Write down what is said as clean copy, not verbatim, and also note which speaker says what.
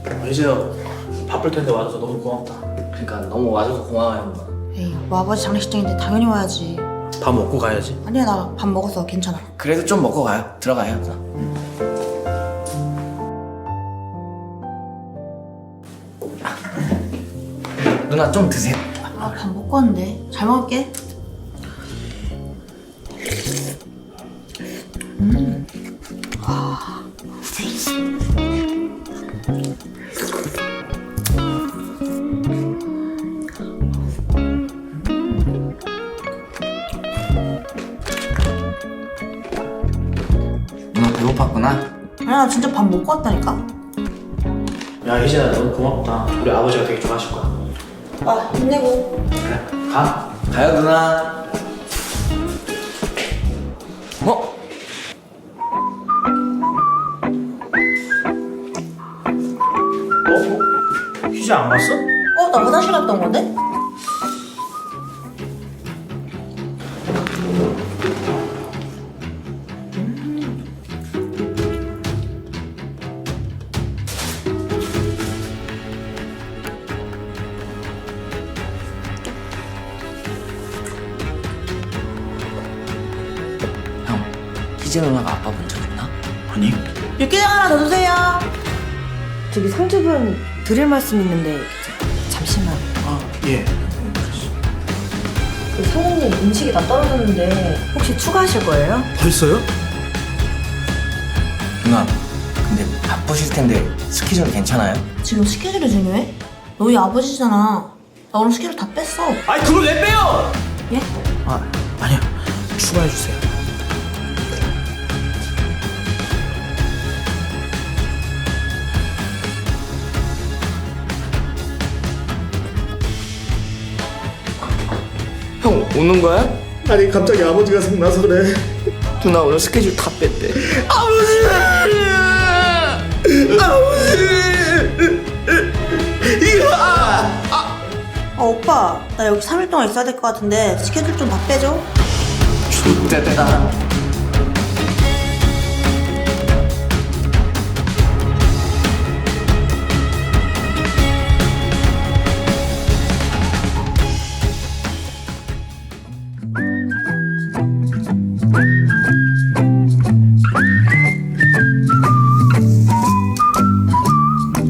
Speaker 1: 이제야 바쁠 텐데 와줘서 너무 고맙다.
Speaker 2: 그러니까 너무 와줘서 고마워요 누나.
Speaker 3: 에이, 뭐 아버지 장례식장인데 당연히 와야지.
Speaker 1: 밥 먹고 가야지.
Speaker 3: 아니야, 나 밥 먹었어. 괜찮아.
Speaker 2: 그래도 좀 먹고 가요. 들어가요 누나. 누나 좀 드세요.
Speaker 3: 아, 밥 먹고 왔는데. 잘 먹을게.
Speaker 2: 누나 배고팠구나.
Speaker 3: 아니야, 나 진짜 밥 먹고 왔다니까.
Speaker 1: 야 이제야 너무 고맙다. 우리 아버지가 되게 좋아하실 거야.
Speaker 3: 아, 힘내고.
Speaker 1: 그래 가.
Speaker 2: 가요 누나. 어?
Speaker 1: 휴지 안 갔어?
Speaker 3: 나 화장실 갔다 온 건데?
Speaker 2: 형, 희재 누나가 아빠 본 적 있나?
Speaker 1: 아니.
Speaker 3: 육개장 하나 더 주세요.
Speaker 4: 저기 상주분 드릴 말씀 있는데 잠시만.
Speaker 1: 아 예.
Speaker 4: 그 사장님 음식이 다 떨어졌는데 혹시 추가하실 거예요?
Speaker 1: 벌써요?
Speaker 2: 누나, 근데 바쁘실 텐데 스케줄 괜찮아요?
Speaker 3: 지금 스케줄이 중요해? 너희 아버지잖아. 나 오늘 스케줄 다 뺐어.
Speaker 1: 아니 그걸 왜 빼요?
Speaker 3: 예?
Speaker 1: 아 아니야. 추가해 주세요.
Speaker 2: 형 오는 거야?
Speaker 1: 아니 갑자기 아버지가 생나서 그래.
Speaker 2: 누나 오늘 스케줄 다 뺐대.
Speaker 3: 오빠. 나 여기 3일 동안 있어야 될 것 같은데 스케줄 좀 다 빼줘.
Speaker 2: 좋대다.